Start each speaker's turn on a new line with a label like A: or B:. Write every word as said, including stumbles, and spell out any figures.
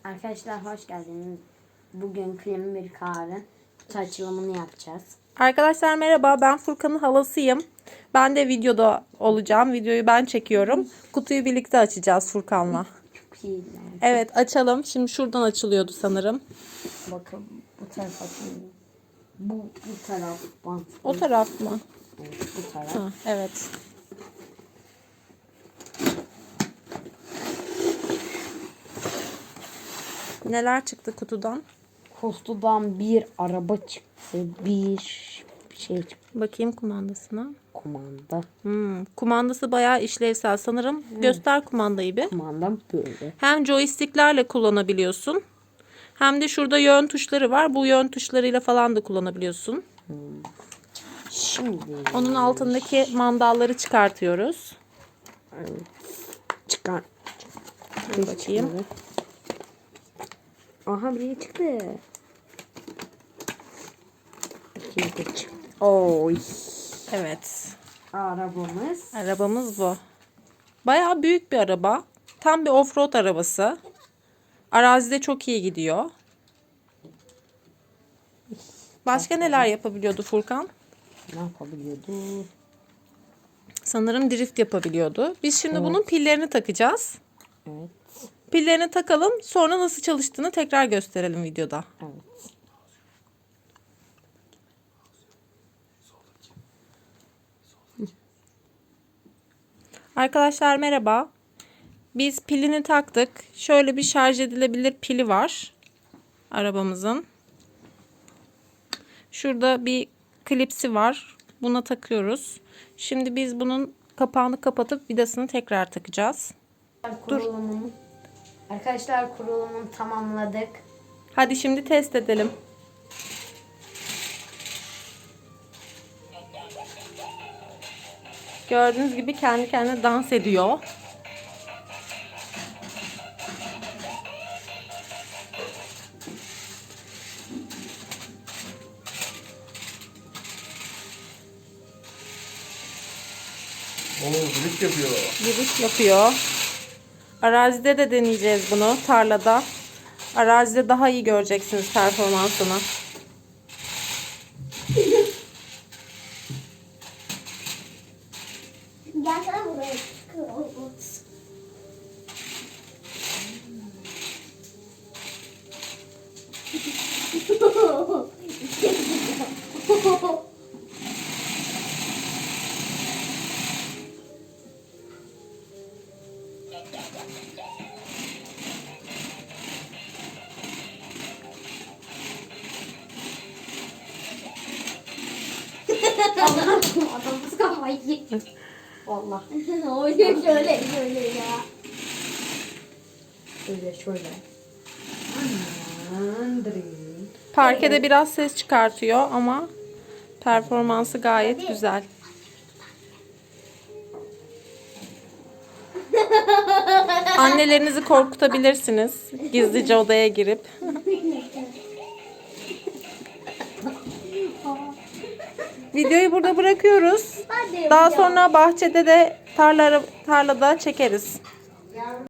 A: Arkadaşlar hoş geldiniz. Bugün Krem bir Kar'ın kutu açılımını yapacağız.
B: Arkadaşlar merhaba, ben Furkan'ın halasıyım. Ben de videoda olacağım. Videoyu ben çekiyorum. Kutuyu birlikte açacağız Furkan'la.
A: Çok iyi. Yani.
B: Evet, açalım. Şimdi şuradan açılıyordu sanırım.
A: Bakın bu taraf açılıyor. Bu, bu taraf bant.
B: O taraf mı?
A: Evet, bu taraf.
B: Ha, evet. Neler çıktı kutudan?
A: Kutudan bir araba çıktı. Bir şey çıktı.
B: Bakayım kumandasına.
A: Kumanda.
B: Hmm, kumandası bayağı işlevsel sanırım. Hmm. Göster kumandayı bir.
A: Kumandam böyle.
B: Hem joysticklerle kullanabiliyorsun. Hem de şurada yön tuşları var. Bu yön tuşlarıyla falan da kullanabiliyorsun.
A: Hmm. Şimdi
B: onun altındaki mandalları çıkartıyoruz.
A: Evet. Çıkar.
B: Dur bakayım.
A: Aha biri çıktı. İkinci de çıktı. Oy.
B: Evet.
A: Arabamız.
B: Arabamız bu. Bayağı büyük bir araba. Tam bir offroad arabası. Arazide çok iyi gidiyor. Başka neler yapabiliyordu Furkan?
A: Ne yapabiliyordu?
B: Sanırım drift yapabiliyordu. Biz şimdi
A: Evet.
B: bunun pillerini takacağız.
A: Evet.
B: Pillerini takalım. Sonra nasıl çalıştığını tekrar gösterelim videoda.
A: Evet.
B: Arkadaşlar merhaba. Biz pilini taktık. Şöyle bir şarj edilebilir pili var arabamızın. Şurada bir klipsi var. Buna takıyoruz. Şimdi biz bunun kapağını kapatıp vidasını tekrar takacağız.
A: Kurulumunu, arkadaşlar kurulumunu tamamladık.
B: Hadi şimdi test edelim. Gördüğünüz gibi kendi kendine dans ediyor.
C: Oo, drift yapıyor.
B: Yürüyüş yapıyor. Arazide de deneyeceğiz bunu, tarlada. Arazide daha iyi göreceksiniz performansını.
D: Gelsene buraya.
A: Adamımız kafayı yedi. Vallahi.
D: Oynuyor şöyle şöyle ya.
A: Şöyle şöyle. Andri.
B: Parkede biraz ses çıkartıyor ama performansı gayet güzel. Annelerinizi korkutabilirsiniz. Gizlice odaya girip. Videoyu burada bırakıyoruz.
D: Hadi.
B: Daha sonra bahçede de tarla, tarlada çekeriz.